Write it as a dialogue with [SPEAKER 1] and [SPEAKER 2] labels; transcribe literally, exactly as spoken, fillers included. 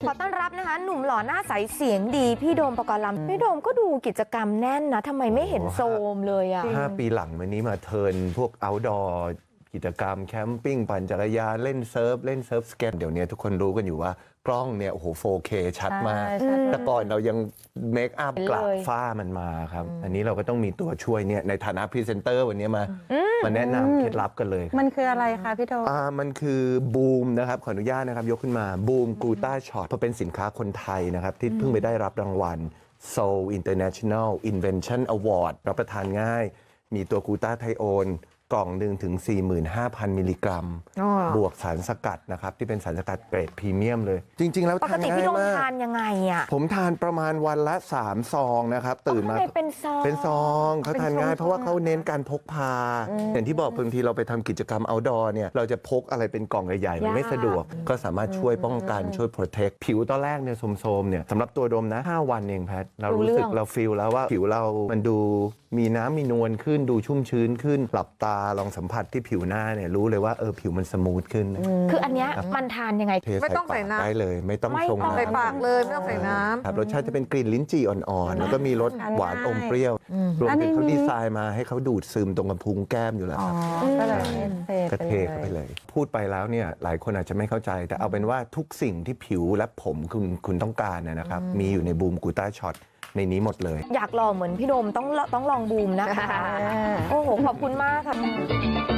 [SPEAKER 1] ขอต้อนรับนะคะหนุ่มหล่อหน้าใสเสียงดีพี่โดมปกรณ์ลำพี่โดมก็ดูกิจกรรมแน่นนะทำไมไม่เห็นโซมเลยอ่ะ
[SPEAKER 2] ห้าปีหลังมานี้มาเทิร์นพวก outdoor กิจกรรมแคมปิ้งปั่นจักรยานเล่นเซิร์ฟเล่นเซิร์ฟสเก็ตเดี๋ยวนี้ทุกคนรู้กันอยู่ว่ากล้องเนี่ยโอ้โห โฟร์เค ชัดมากแต่ก่อนเรายังเมคอัพกลับฝ้ามันมาครับอันนี้เราก็ต้องมีตัวช่วยเนี่ยในฐานะพรีเซนเตอร์วันนี้มามาแนะนำเคล็ดลับกันเลย
[SPEAKER 3] มันคืออะไรคะพี่โดม
[SPEAKER 2] อ่ามันคือบูมนะครับขออนุญาตนะครับยกขึ้นมาบูมกูต้าช็อตเพราะเป็นสินค้าคนไทยนะครับที่เพิ่งไปได้รับรางวัล Seoul International Invention Award รับประทานง่ายมีตัวกูต้าไทโอนกล่องหนึ่งถึง สี่หมื่นห้าพัน มิลลิกรัมบวกสารสกัดนะครับที่เป็นสารสกัดเกรดพรีเมียมเลยจริงๆแล้ว
[SPEAKER 1] ปกติพี่โดมทานยังไงอ่ะ
[SPEAKER 2] ผมทานประมาณวันละสามซองนะครับตื่นมา
[SPEAKER 1] เป็นซอง
[SPEAKER 2] เป็นซองเขาทานง่ายเพราะว่าเขาเน้นการพกพาอย่างที่บอกบางทีเราไปทำกิจกรรม outdoor เนี่ยเราจะพกอะไรเป็นกล่องใหญ่ๆมันไม่สะดวกก็สามารถช่วยป้องกันช่วย protect ผิวตอนแรกเนี่ยโทรมๆเนี่ยสำหรับตัวโดมนะห้าวันเองแพทเรารู้สึกเราฟีลแล้วว่าผิวเรามันดูมีน้ำมีนวลขึ้นดูชุ่มชื้นขึ้นหลับตาลองสัมผัสที่ผิวหน้าเนี่ยรู้เลยว่าเออผิวมันสมูทขึ้น
[SPEAKER 1] คืออันเนี้ยมันทานยังไง
[SPEAKER 3] ไม่ต้องใส่น้ำ
[SPEAKER 2] ได้เลยไม่ต้องชง
[SPEAKER 3] ใส่ปากเลยไม่ต้องใส่น้ำ
[SPEAKER 2] ครับรสชาติจะเป็นกลิ่นลิ้นจี่อ่อนๆแล้วก็มีรสหวานอมเปรี้ยวรวมถึงเขาดีไซน์มาให้เขาดูดซึมตรงกระพุ้งแก้มอยู่แล้วครับ
[SPEAKER 3] ก็เลย
[SPEAKER 2] กระเทกเข้าไปเลยพูดไปแล้วเนี่ยหลายคนอาจจะไม่เข้าใจแต่เอาเป็นว่าทุกสิ่งที่ผิวและผมคุณคุณต้องการนะครับมีอยู่ในบูมกูต้าช็อตในนี้หมดเลย
[SPEAKER 1] อยากลองเหมือนพี่โดมต้องต้องลองบูมนะคะโอ้โหขอบคุณมากค่ะ